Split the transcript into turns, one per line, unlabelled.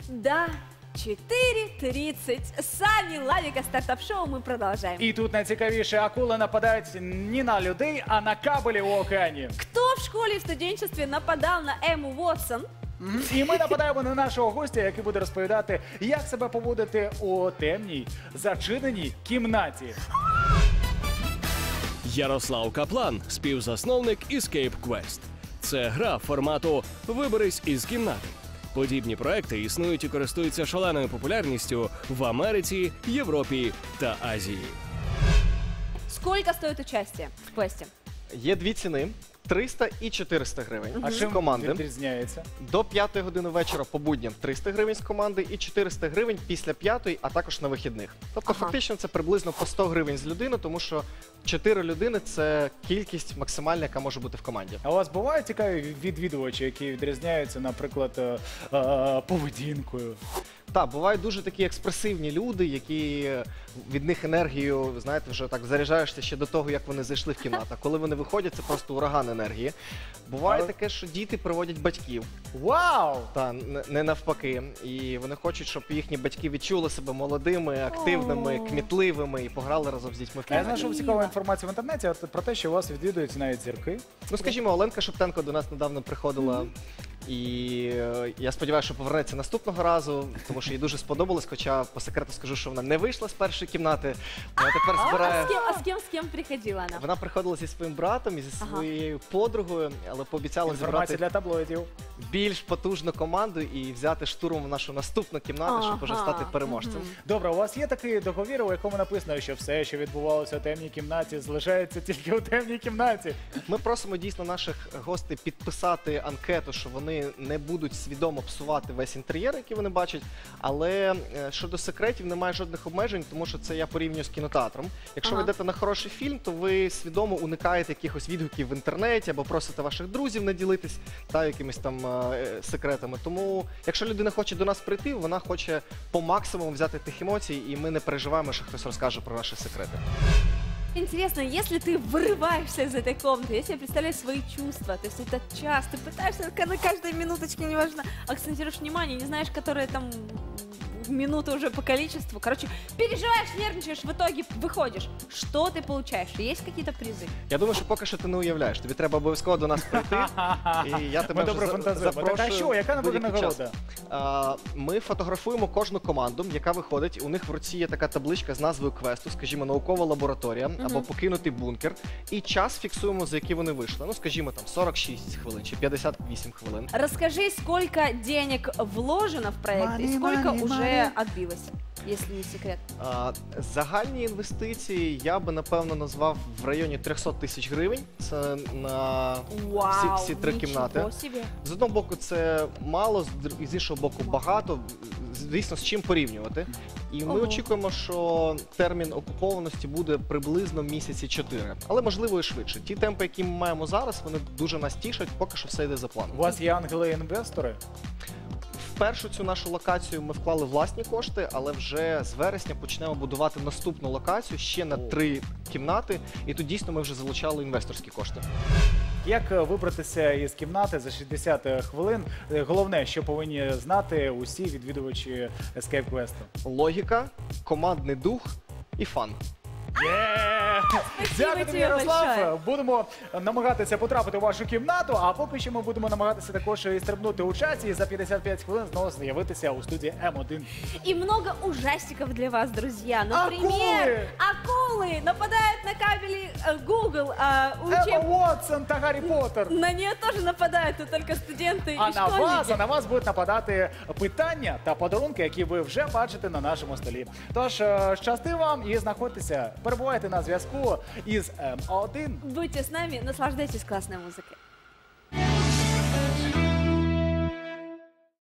Да, 4:30. С вами Лавика, стартап-шоу, мы продолжаем.
І тут найцікавіше, акули нападають не на людей, а на кабелі у океані.
Кто в школе и в студенчестве нападал на Эмму Уотсон?
І ми нападаємо на нашого гостя, який буде розповідати, як себе поводити у темній, зачиненій кімнаті.
Ярослав Каплан, співзасновник Escape Quest. Це гра формату «Виберись із кімнати». Подібні проекти існують і користуються шаленою популярністю в Америці, Європі та Азії.
Сколько стоит участие в квесте?
Є дві ціни. 300 і 400 гривень
А
з
чим
команди.
відрізняється?
До 5 години вечора по будням 300 гривень з команди і 400 гривень після 5, а також на вихідних. Тобто фактично це приблизно по 100 гривень з людини, тому що 4 людини – це кількість максимальна, яка може бути в команді.
А у вас бувають цікаві відвідувачі, які відрізняються, наприклад, поведінкою?
Так, бувають дуже такі експресивні люди, які від них енергію, знаєте, вже так заряджаєшся ще до того, як вони зайшли в кімнату. А коли вони виходять, це просто ураган енергії. Буває таке, що діти приводять батьків.
Вау!
Та не навпаки. І вони хочуть, щоб їхні батьки відчули себе молодими, активними, кмітливими і пограли разом з дітьми в
А я
кімнаті.
знайшов цікаву інформацію в інтернеті про те, що у вас відвідують навіть зірки.
Ну, скажімо, Оленка Шептенко до нас недавно приходила. І я сподіваюся, що повернеться наступного разу, тому що їй дуже сподобалось, хоча по секрету скажу, що вона не вийшла з першої кімнати. Вона тепер збирає...
С кем приходила она?
Вона приходила зі своїм братом і зі своєю подругою, але пообіцяла
Інформація
зібрати
для таблоїдів.
більш потужну команду і взяти штурмом нашу наступну кімнату, щоб уже стати переможцем.
Добре, у вас є такий договір, у якому написано, що все, що відбувалося у темній кімнаті, залишається тільки у темній кімнаті.
Ми просимо дійсно наших гостей підписати анкету, що вони не будуть свідомо псувати весь інтер'єр, який вони бачать, але щодо секретів немає жодних обмежень, тому що це я порівнюю з кінотеатром. Якщо ви йдете на хороший фільм, то ви свідомо уникаєте якихось відгуків в інтернеті або просите ваших друзів не ділитись якимись там секретами. Тому, якщо людина хоче до нас прийти, вона хоче по максимуму взяти тих емоцій, і ми не переживаємо, що хтось розкаже про наші секрети.
Интересно, если ты вырываешься из этой комнаты, я себе представляю свои чувства, то есть это час, ты пытаешься на каждой минуточке, неважно, акцентируешь внимание, не знаешь, которые там минуты уже по количеству. Короче, переживаешь, нервничаешь, в итоге выходишь. Что ты получаешь? Есть какие-то призы?
Я думаю, що поки що ти не уявляєш. Тобі треба обов'язково до нас прийти. І я тебе
Ми добре
вже
фантазуємо. Так, а
запрошую
що? Яка буде
будь-який час.
нагорода?
Ми фотографуємо кожну команду, яка виходить. У них в руці є така табличка з назвою квесту, скажімо, наукова лабораторія або покинутий бункер. І час фіксуємо, за який вони вийшли. Ну, скажімо, там 46 хвилин чи 58 хвилин.
Расскажи, сколько денег вложено в проект и сколько уже отбилось, если не секрет.
Загальні інвестиції я би, напевно, назвав в районі 300 тисяч гривень. Це на всі три кімнати.
Себе.
З одного боку, це мало, з іншого боку, багато. Звісно, з чим порівнювати. І ми очікуємо, що термін окупованості буде приблизно місяці 4. Але, можливо, і швидше. Ті темпи, які ми маємо зараз, вони дуже нас тішать, поки що все йде за планом.
У вас є ангели-інвестори?
В першу цю нашу локацію ми вклали власні кошти, але вже з вересня почнемо будувати наступну локацію ще на 3 кімнати. І тут дійсно ми вже залучали інвесторські кошти.
Як вибратися із кімнати за 60 хвилин? Головне, що повинні знати усі відвідувачі Escape Quest.
Логіка, командний дух і фан.
Дякую тобі,
тебе
Ярослав.
большое.
Будемо намагатися потрапити у вашу кімнату, а поки що ми будемо намагатися також і стрибнути у часі і за 55 хвилин знову з'явитися у студії М1.
И много ужастиков для вас, друзья. Например, акулы нападают на кабели Google.
Емма Уотсон та Гаррі Поттер.
На нее тоже нападают, но только студенты
А
и
на вас будуть нападати питання та подарунки, які ви вже бачите на нашому столі. Тож, щасти вам і знаходьтеся, перебувайте на зв'язку із М1.
Будьте с нами, наслаждайтесь классной музыкой.